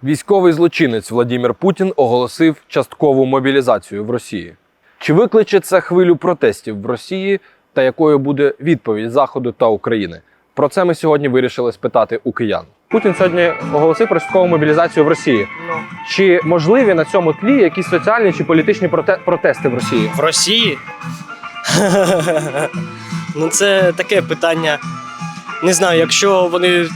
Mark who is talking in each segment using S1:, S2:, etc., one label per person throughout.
S1: Військовий злочинець Владимир Путін оголосив часткову мобілізацію в Росії. Чи викличе це хвилю протестів в Росії та якою буде відповідь Заходу та України? Про це ми сьогодні вирішили спитати у киян. Путін сьогодні оголосив про часткову мобілізацію в Росії. Чи можливі на цьому тлі якісь соціальні чи політичні протести в Росії?
S2: В Росії? Ну це таке питання. Не знаю, якщо вони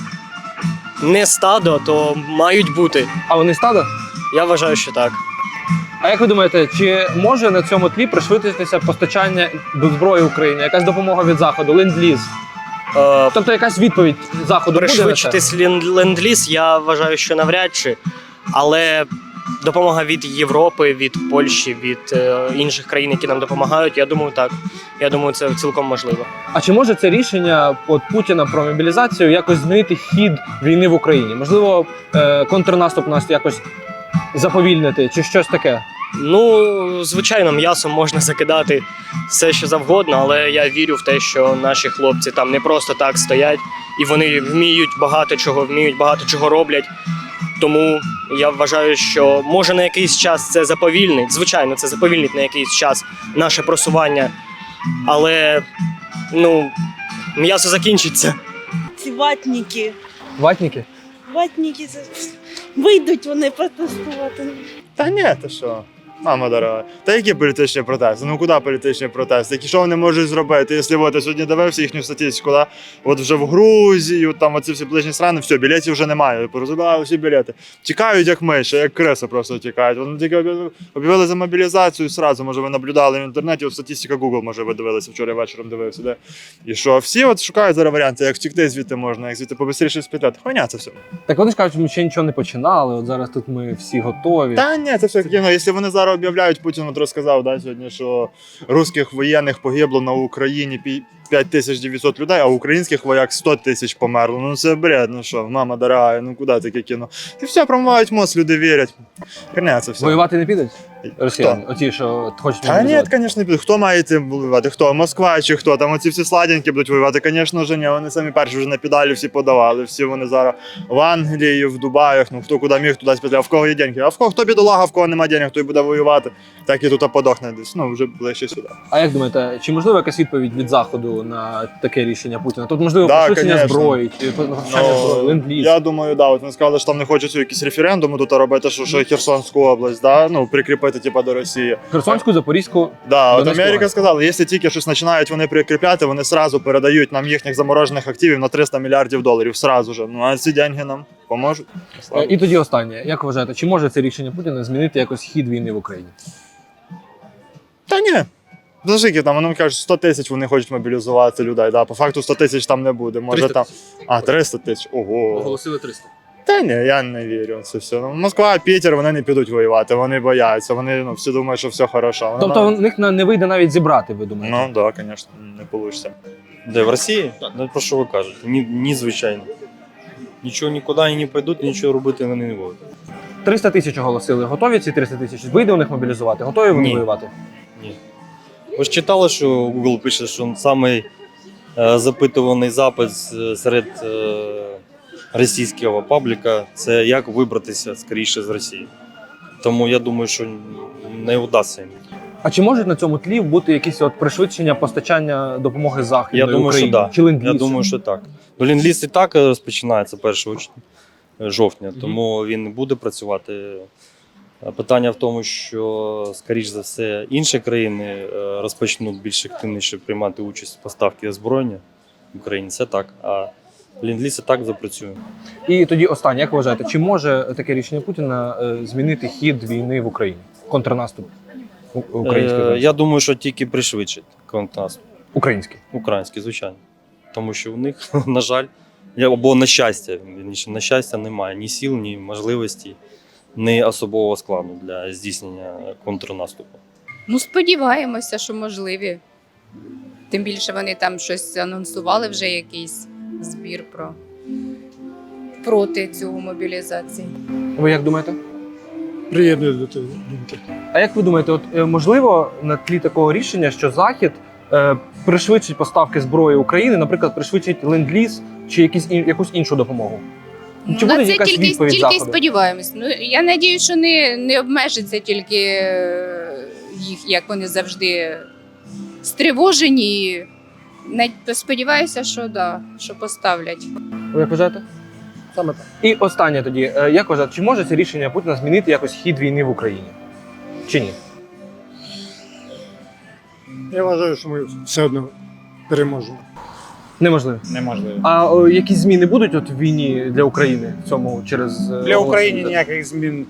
S2: не стадо, то мають бути.
S1: А вони стадо?
S2: Я вважаю, що так.
S1: А як ви думаєте, чи може на цьому тлі пришвидшитися постачання до зброї Україні? Якась допомога від Заходу, ленд-ліз? Тобто якась відповідь Заходу буде на це?
S2: Пришвидшитись ленд-ліз, я вважаю, що навряд чи. Але допомога від Європи, від Польщі, від інших країн, які нам допомагають, я думаю, так. Я думаю, це цілком можливо.
S1: А чи може це рішення Путіна про мобілізацію якось змінити хід війни в Україні? Можливо, контрнаступ нас якось заповільнити чи щось таке?
S2: Ну, звичайно, м'ясом можна закидати все, що завгодно, але я вірю в те, що наші хлопці там не просто так стоять, і вони вміють багато чого роблять. Тому я вважаю, що може на якийсь час це заповільнить. Звичайно, це заповільнить на якийсь час наше просування, але, м'ясо закінчиться.
S3: Ці ватники.
S1: Ватники?
S3: Ватники вийдуть вони протестувати.
S4: Та ні, ти що? Мама дорога. Та які політичні протести? Ну куди політичні протести? Що вони можуть зробити? Якщо я сьогодні дивився їхню статистику, да? От вже в Грузію, там оці всі ближні страни, все, білетів вже немає. Порозбирали всі білети. Тікають як миші, як криси просто тікають. Вони тільки об'явили за мобілізацію зразу, може ви наблюдали в інтернеті, от статистика Google, може ви дивилися, вчора вечором дивився, де? І що, всі от шукають зараз варіанти, як втікти звідти можна, як звідти побистріше спитати. Хуйня це все.
S1: Так вони ж кажуть, ми ще нічого не починали, от зараз тут ми всі готові.
S4: Та ні, це все кіно. Якщо вони зараз об'являють, Путін от розказав сьогодні, що русських воєнних погибло на Україні 5900 людей, а українських вояк 100 тисяч померло. Ну це бред, ну що, мама дорога, ну куди таке кіно? Ти все промивають мозг, люди вірять. Херня це все.
S1: Воювати не підуть? Росіяни? Оті, що хочуть
S4: Та ні,
S1: мобілізувати?
S4: звісно, не підуть. Хто має йти воювати? Хто? Москва чи хто? Там оці всі сладенькі будуть воювати? Звісно ж, ні. Вони самі перші вже на педалі всі подавали. Всі вони зараз в Англії, в Дубаях, ну хто куди міг, туди спитав. А в кого є деньги? А в кого хто бідолага, в кого немає денег, той буде воювати. Так і тут подохне десь. Ну, вже ближче сюди.
S1: А як думаєте, чи можливо якась відповідь від Заходу на таке рішення Путіна? Тут можливо
S4: Да,
S1: пришвидшення
S4: конечно.
S1: зброї, чи постачання зброї, ленд-ліз?
S4: Я думаю, да. От вони сказали, що там не хочуть якісь референдуми тут робити, що Херсонську область, да? Ну, прикріпити типа до Росії.
S1: Херсонську, Запорізьку.
S4: Да, от
S1: Донецьку
S4: Америка
S1: область.
S4: сказала, якщо тільки щось починають вони прикріпляти, вони сразу передають нам їхніх заморожених активів на 300 мільярдів доларів. Сразу же. Ну а ці деньги нам поможуть. Слава.
S1: І тоді останнє. Як вважаєте, чи може це рішення Путіна змінити якось хід війни в Україні?
S4: Та ні. Скільки там, вони кажуть, 100 тисяч вони хочуть мобілізувати людей. Да? По факту 100 тисяч там не буде. Може
S1: 300
S4: там.
S1: тисяч.
S4: А, 300 тисяч. Ого.
S1: Оголосили 300.
S4: Та ні, я не вірю в це все. Ну, Москва, Пітер, вони не підуть воювати, вони бояться, вони всі думають, що все хорошо. Вони
S1: Тобто в них не вийде навіть зібрати, ви думаєте?
S4: Ну так, да, звісно, не вийде.
S5: Де в Росії? Ну, про що ви кажете? Ні, звичайно. Нічого нікуди не пойдуть, нічого робити вони не будуть.
S1: 300 тисяч оголосили. Готові ці 300 тисяч? Вийде у них мобілізувати? Готові вони
S5: Ні.
S1: воювати?
S5: Ні. Ви ж читали, що Google пише, що самий запитуваний запит серед російського пабліка – це як вибратися скоріше з Росії. Тому я думаю, що не вдасться їм.
S1: А чи можуть на цьому тлі бути якісь пришвидшення постачання допомоги Західної
S5: Я думаю,
S1: Україні?
S5: що так.
S1: Чи ленд-ліз?
S5: Я думаю, що так. Ну, ленд-ліз і так розпочинається 1 жовтня, тому він не буде працювати. Питання в тому, що, скоріш за все, інші країни розпочнуть більш активніше приймати участь в поставці озброєння в Україні. Це так. А ленд-ліз і так запрацює.
S1: І тоді останнє, як вважаєте, чи може таке рішення Путіна змінити хід війни в Україні? Контрнаступ український?
S5: Я думаю, що тільки пришвидшить контрнаступ.
S1: Український.
S5: Український, звичайно. Тому що у них, на жаль, або на щастя, немає ні сил, ні можливості, ні особового складу для здійснення контрнаступу.
S6: Ну, сподіваємося, що можливі. Тим більше вони там щось анонсували вже якийсь збір проти цього мобілізації.
S1: Ви як думаєте?
S7: Приєдную до тої думки.
S1: А як ви думаєте, можливо на тлі такого рішення, що Захід пришвидшить поставки зброї України, наприклад, пришвидшить ленд-ліз чи якусь іншу допомогу? Чи
S6: На
S1: буде
S6: це
S1: якась
S6: тільки,
S1: відповідь
S6: тільки
S1: Заходу?
S6: сподіваємось. Ну, я надіюсь, що не обмежиться тільки їх, як вони завжди стривожені. Сподіваюся, що да, що поставлять.
S1: Ви як вважаєте?
S7: Саме так.
S1: І останнє тоді. Як вважаєте, чи може це рішення Путіна змінити якось хід війни в Україні? Чи ні?
S7: Я вважаю, що ми все одно переможемо.
S1: Неможливо.
S8: Неможливо.
S1: А якісь зміни будуть от в війні для України в цьому через
S8: Для України ніяких змін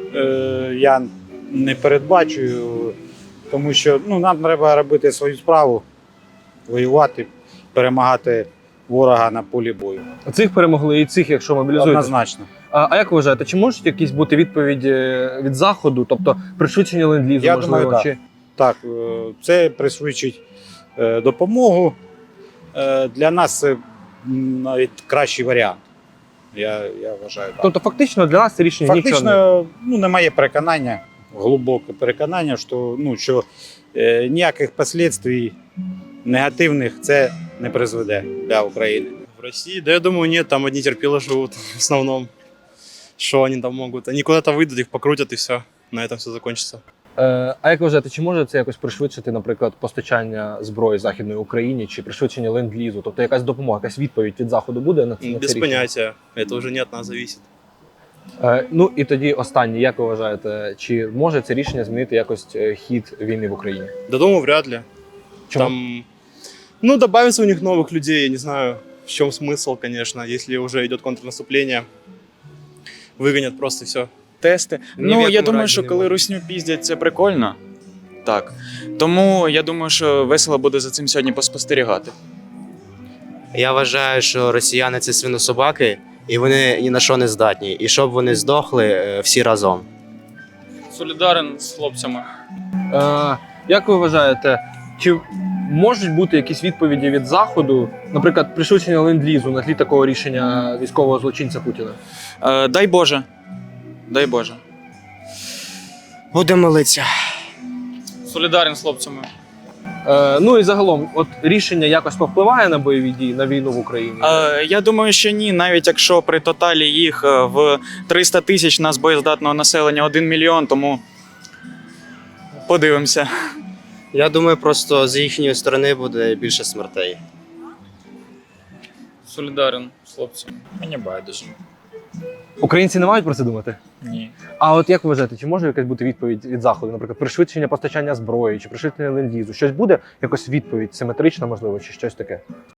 S8: я не передбачую, тому що нам треба робити свою справу, воювати, перемагати ворога на полі бою.
S1: Цих перемогли і цих, якщо мобілізують.
S8: Однозначно.
S1: А як ви вважаєте, чи можуть якісь бути відповіді від Заходу, тобто пришвидшення ленд-лізу,
S8: Я
S1: можливо?
S8: думаю,
S1: чи...
S8: Так, це пришвидшить допомогу. Для нас це навіть кращий варіант. Я вважаю так.
S1: Тобто фактично для нас це рішення нічого не...
S8: Фактично, немає переконання, глибоке переконання, що ніяких последствий негативних це не призведе для України.
S9: В России, да я думаю, нет, там одни терпилы живут в основном. Что они там могут? Они куда-то выйдут, их покрутят и все. На этом все закончится.
S1: А як ви вважаєте, чи може це якось пришвидшити, наприклад, постачання зброї Західної Україні, чи пришвидшення ленд-лізу? Тобто якась допомога, якась відповідь від Заходу буде на це
S9: Без
S1: рішення?
S9: понятия. Это уже не от нас зависит.
S1: Ну і тоді останнє, як ви вважаєте, чи може це рішення змінити якось хід війни в Україні?
S9: Да думаю, вряд ли.
S1: Чому?
S9: Там, добавится у них новых людей, я не знаю, в чем смысл, конечно, если уже идет контрнаступление. Выгонят просто все.
S10: Тести.
S1: Ні в
S10: Ну, я
S1: якому
S10: думаю,
S1: разі
S10: що
S1: не
S10: коли
S1: можна.
S10: русню піздять, це прикольно. Так. Тому я думаю, що весело буде за цим сьогодні поспостерігати.
S11: Я вважаю, що росіяни це свинособаки, і вони ні на що не здатні. І щоб вони здохли всі разом.
S10: Солідарен з хлопцями.
S1: Як ви вважаєте, чи можуть бути якісь відповіді від Заходу, наприклад, пришвидшення ленд-лізу на тлі такого рішення військового злочинця Путіна?
S10: Дай Боже. Дай Боже.
S11: Будемо молитися.
S10: Солідарен з хлопцями.
S1: Ну і загалом, от рішення якось повпливає на бойові дії, на війну в Україні?
S10: Я думаю, що ні. Навіть якщо при тоталі їх в 300 тисяч нас боєздатного населення 1 мільйон, тому подивимося.
S11: Я думаю, просто з їхньої сторони буде більше смертей.
S10: Солідарен з хлопцями. Мені байдуже.
S1: Українці не мають про це думати?
S10: Ні.
S1: А от як ви вважаєте, чи може якась бути відповідь від Заходу, наприклад, пришвидшення постачання зброї, чи пришвидшення ленд-лізу? Щось буде? Якось відповідь симетрична, можливо, чи щось таке?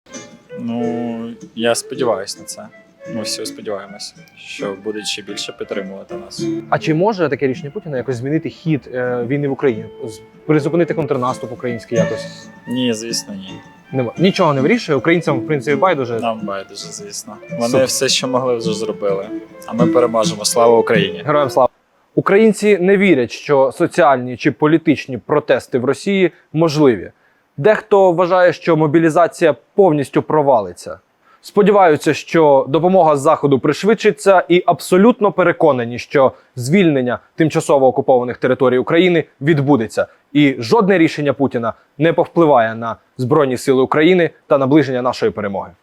S12: Я сподіваюся на це. Ми всі сподіваємося, що будуть ще більше підтримувати нас.
S1: А чи може таке рішення Путіна якось змінити хід війни в Україні? Призупинити контрнаступ український якось?
S12: Ні, звісно, ні.
S1: Нема. Нічого не вирішує, українцям, в принципі, байдуже.
S12: Нам байдуже, звісно. Вони
S1: Супер.
S12: все, що могли, вже зробили. А ми переможемо. Слава Україні!
S1: Героям слава! Українці не вірять, що соціальні чи політичні протести в Росії можливі. Дехто вважає, що мобілізація повністю провалиться. Сподіваються, що допомога з Заходу пришвидшиться, і абсолютно переконані, що звільнення тимчасово окупованих територій України відбудеться. І жодне рішення Путіна не повпливає на Збройні Сили України та наближення нашої перемоги.